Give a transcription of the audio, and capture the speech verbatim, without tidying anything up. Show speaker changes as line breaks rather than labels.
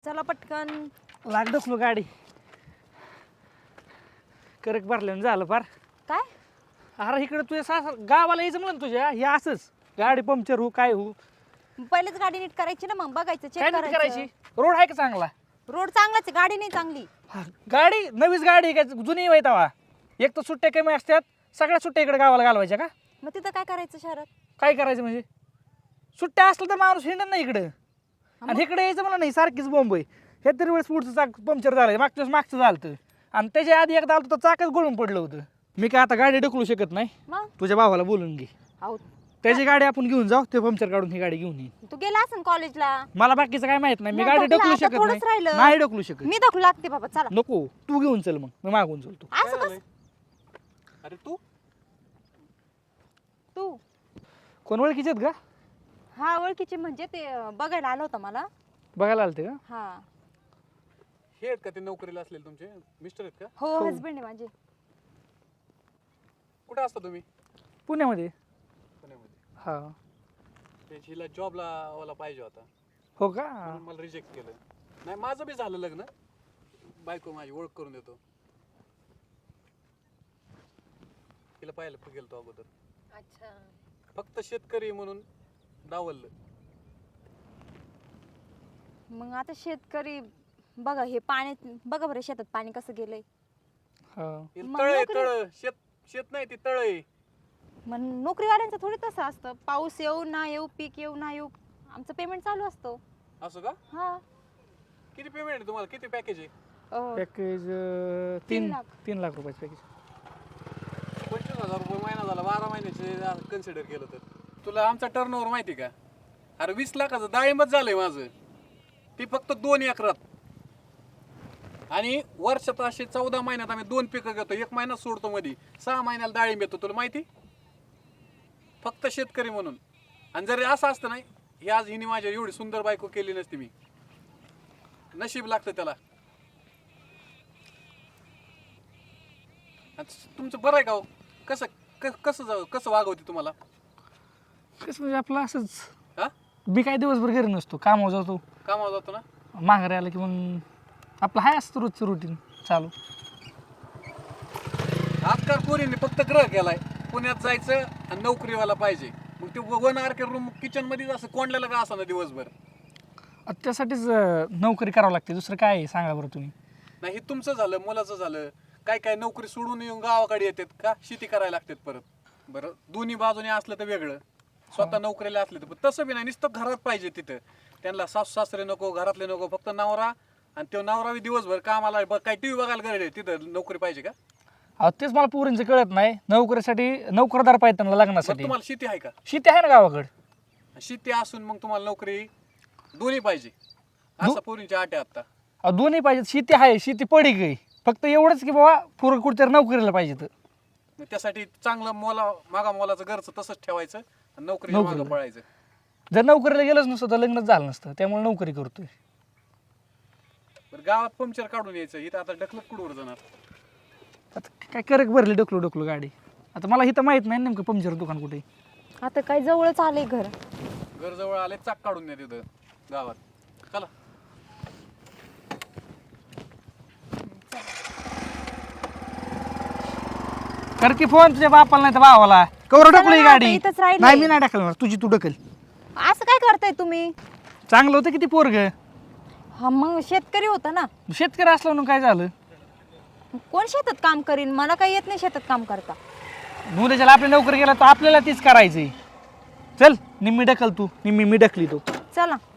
चला पटकन.
लाग डोकलो गाडी करक भरल्यानं झालं फार.
काय
अरे इकडे तुझ्या सास गावाला यायचं म्हणून तुझ्या हे असंच गाडी पंक्चर हो काय हो.
पहिलेच गाडी नीट करायची ना, मग बघायचं चेक
काय नीट करायची.
करायचं.
रोड आहे का चांगला.
रोड चांगलाच आहे, गाडी नाही चांगली.
हा, गाडी नवीच गाडी आहे का जुनी आहे तवा. एक तर सुट्ट्या कमी असतात, सगळ्या सुट्ट्या इकडे गावाला घालवायच्या का.
मग तिथं काय करायचं शहरात.
काय करायचं म्हणजे सुट्ट्या असलं तर माणूस हिंडत नाही इकडं. आणि इकडे यायचं मला नाही सारखीच बॉम्ब आहे. हे तरी वेळेस पुढचं चाक पंक्चर झालं, मागच्या वेळेस मागचं झालं आणि त्याच्या आधी एकदा आलं तर चाकच गळून पडलं होतं. मी काय आता गाडी ढकलू शकत नाही.
मग
तुझ्या भावाला बोलून घे,
आहो
त्याची गाडी आपण घेऊन जाऊ, ते पंक्चर काढून ही गाडी घेऊन येईन.
तू गेला असेल कॉलेजला.
मला बाकीचं काय माहित नाही. मी
नाही,
गाडी
ढकला,
ढकलू
आता
शकत
थोडंच
नाही.
राहिलं.
नाही ढकलू शकत.
मी दाखवू लागते बाबा, चला.
नको तू घेऊन चल, मग मी मागून चलतो.
असं कसं.
अरे तू
तू
कोण ओळखीचे आहेत का.
हा ओळखीचे म्हणजे ते अं, बघायला आलं होतं मला.
बघायला आलते का.
हा
हे आहेत का ते नोकरीला असलेले तुमचे मिस्टर आहेत का?
हो
हो.
हसबंड आहे माझे.
कुठे असता तुम्ही?
पुण्यामध्ये.
पुण्यामध्ये.
हा
ते हिला जॉबला वाला पाहिजे होता
हो का.
म्हणून मला रिजेक्ट केलं. नाही माझं बी झालं लग्न. बायको माझी ओळख करून देतो. तिला पाहायला गेलतो अगोदर.
अच्छा.
फक्त शेतकरी म्हणून डावललं.
मग आता शेतकरी बघा, हे पाणी बघा बरं, शेतात पाणी कसं गेलंय.
हा
हे
मग
तळ आहे,
नोकरी-
तळ शेत शेत नाही ती तळ आहे.
मग नोकरीवाल्यांचं थोडी तसं असतं. पाऊस येऊ ना येऊ, पीक येऊ ना येऊ, आमचं पेमेंट चालू असतो.
असं का?
हा
किती पेमेंट आहे तुम्हाला? किती पॅकेज आहे?
अं,
पॅकेज
तीन
तीन
लाख.
तीन लाख रुपयाचं पॅकेज.
पंचवीस हजार रुपये महिना झाला. बारा महिन्याचे कन्सिडर केलं तर तुला आमचा टर्नओव्हर माहिती का? अरे वीस लाखाचं डाळिंबच झालंय माझं. ती फक्त दोन एकरात. आणि वर्षात असे चौदा महिन्यात आम्ही दोन पिकं घेतो. एक महिना सोडतो मध्ये, सहा महिन्याला डाळिंब येतो. तुला माहिती? फक्त शेतकरी म्हणून. आणि जर असं असतं नाही, ही आज हिने माझ्या एवढी सुंदर बायको केली नसती मी. नशीब लागतं त्याला. आणि तुमचं बरं आहे का हो? कसं क- कसं जाऊ कसं वागवते तुम्हाला?
कसं म्हणजे आपलं असंच.
हा
मी काय दिवसभर घरी नसतो, कामावर जातो,
कामावर जातो ना.
माघारी आलं की मग आपलं हाय असतं रोजचं रुटीन चालू.
आजकाल पोरींनी फक्त ग्रह केलाय. पुण्यात जायचं आणि नोकरीवाला पाहिजे. मग ते one R K room kitchen मध्येच असं कोंडलेलं का असं ना दिवसभर.
आता त्यासाठीच अं, नोकरी करावं लागते. दुसरं काय आहे सांगा बरं तुम्ही.
नाही हे तुमचं झालं, मुलाचं झालं. काय काय नोकरी सोडून येऊन गावाकडे येतात का शेती करायला लागतात परत. बरं दोन्ही बाजूने असलं तर वेगळं, स्वतः नोकरीला असले तर. पण तसं बी नाही, नुसतं घरात पाहिजे तिथं. त्यांना सासू सासरे नको, घरातले नको, फक्त नवरा. आणि तो नवरा बी दिवसभर कामाला. ब- काय टीव्ही बघायला गरज आहे तिथं नोकरी पाहिजे का?
अहो तेच मला पोरींचं कळत नाही. नोकरीसाठी नोकरदार पाहिजे त्यांना
मग
लग्नासाठी.
तुम्हाला शेती आहे का?
शेती आहे ना गावाकडं.
शेती असून मग तुम्हाला नोकरी दोन्ही पाहिजे असं पोरींची आट आहे आता.
अहो दोन्ही पाहिजेत. शेती आहे, शेती पडी गई. फक्त एवढंच की बाबा पोरं कुठेतरी नोकरीला पाहिजे. तर
मग त्यासाठी चांगलं मोला मागा मोलाचं घरचं तसंच ठेवायचं आणि नोकरीला
नोकरीला.
मागं पळायचं.
जर नोकरीला गेलंच नसतं तर लग्नच झालं नसतं. त्यामुळे नोकरी करतोय.
बरं गावात पंक्चर काढून यायचं. इथं आता ढकलत कुठवर जाणार?
आता काय करक भरली डोकलो डोकलो गाडी. आता मला इथं माहित नाही नेमकं पंक्चर दुकान कुठे.
आता काय जवळच आलंय घर.
घर जवळ आले चाक काढून या तिथं गावात. चला
कर की फोन तुझ्या बापाला नाही तर भावाला. कवर
चला
ढकली
ना,
गाडी.
आता इथंच राहिलंय.
नाही मी नाही ढकलणार, तुझी तू ढकल.
असं काय करताय तुम्ही.
चांगलं होतं किती पोरग.
हा मग शेतकरी होता ना.
शेतकरी असलं म्हणून काय झालं.
कोण शेतात काम करीन. मला काही येत नाही शेतात काम करता.
उद्याच्याला आपली नोकरी गेला तर आपल्याला तीच करायची. चल निम्मी ढकल तू, निम्मी मी ढकली तो.
चला.